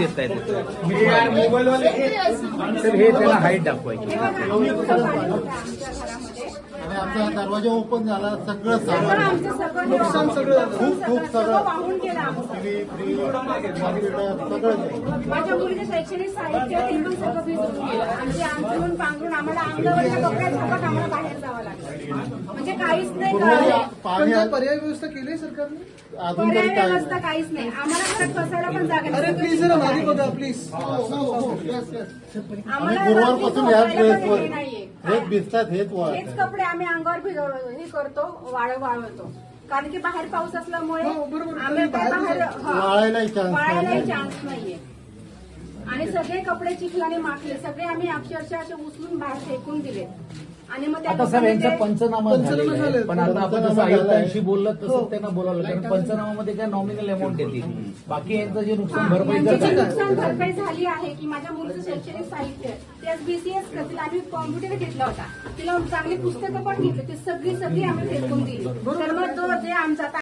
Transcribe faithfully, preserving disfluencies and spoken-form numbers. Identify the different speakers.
Speaker 1: येत आहेत तर हे त्याला हाईट दाखवायची.
Speaker 2: आणि आमचा दरवाजा ओपन झाला, सगळं
Speaker 3: सगळं आमचं सगळं
Speaker 2: नुकसान सगळं खूप खूप सगळं
Speaker 3: वाहून गेलं आमचं.
Speaker 2: टीव्ही फ्रीज कॉम्प्युटर सगळं.
Speaker 3: माझ्या मुलीचं शैक्षणिक साहित्य ते पण सगळं भिजून गेलं. आमचे अंथरूण पांघरून आम्हाला अंगावरच्या कपड्या झाकत आम्हाला बाहेर जावं लागलं. म्हणजे काहीच नाही कळलं.
Speaker 2: पाणी
Speaker 4: पर्याय व्यवस्था केली सरकारने?
Speaker 2: अजून
Speaker 3: पर्याय
Speaker 2: तरी काय
Speaker 3: व्यवस्था काहीच नाही. आम्हाला घरात बसायला पण जागा
Speaker 4: अरे
Speaker 3: नाही.
Speaker 4: प्लीज जरा मागे बघा प्लीज.
Speaker 2: आणि
Speaker 3: आम्हाला
Speaker 2: गुरुवारपासून
Speaker 3: रात्री
Speaker 2: ह्याच
Speaker 3: झोपायला पण
Speaker 2: ड्रेसवर
Speaker 3: हे नाहीये.
Speaker 2: हेच भिजतात हेच
Speaker 3: हेच
Speaker 2: वाळतात.
Speaker 3: कपडे आम्ही अंगावर भिजव हे करतो, वाळ वाळवतो. कारण की बाहेर पाऊस असल्यामुळे
Speaker 4: हो, बरोबर.
Speaker 3: आम्ही काय बाहेर हा,
Speaker 2: वाळायलाही चान्स
Speaker 3: वाळायलाही
Speaker 2: नाही.
Speaker 3: चान्स नाहीये. आणि सगळे कपडे चिखलाने माखले, सगळे आम्ही अक्षरशः असे उचलून बाहेर फेकून दिले. आणि मग त्या
Speaker 1: आता साहेब यांचा
Speaker 3: लोकांनी ते-
Speaker 1: पंचनामा
Speaker 4: पंचनामा
Speaker 1: झालेला आहे.
Speaker 4: झाले.
Speaker 1: पण आता आपण जसं
Speaker 2: पंचनामा झालाय.
Speaker 1: आयुक्तांशी बोललं तसं त्यांना बोलावलं, कारण पंचनामामध्ये काय नॉमिनल अमाऊंट येतील. बाकी यांचं जे नुकसान
Speaker 3: हा,
Speaker 1: भरपाई
Speaker 3: यांची जी
Speaker 1: करतात
Speaker 3: नुकसान भरपाई झाली आहे की माझ्या मुलीचं शैक्षणिक साहित्य ते बीसीएस करतील. आम्ही कॉम्प्युटर घेतला होता, तिला चांगली पुस्तकं पण घेतली, ती सगळी सगळी आम्ही फेकून दिली. तर मग तो जे आमचा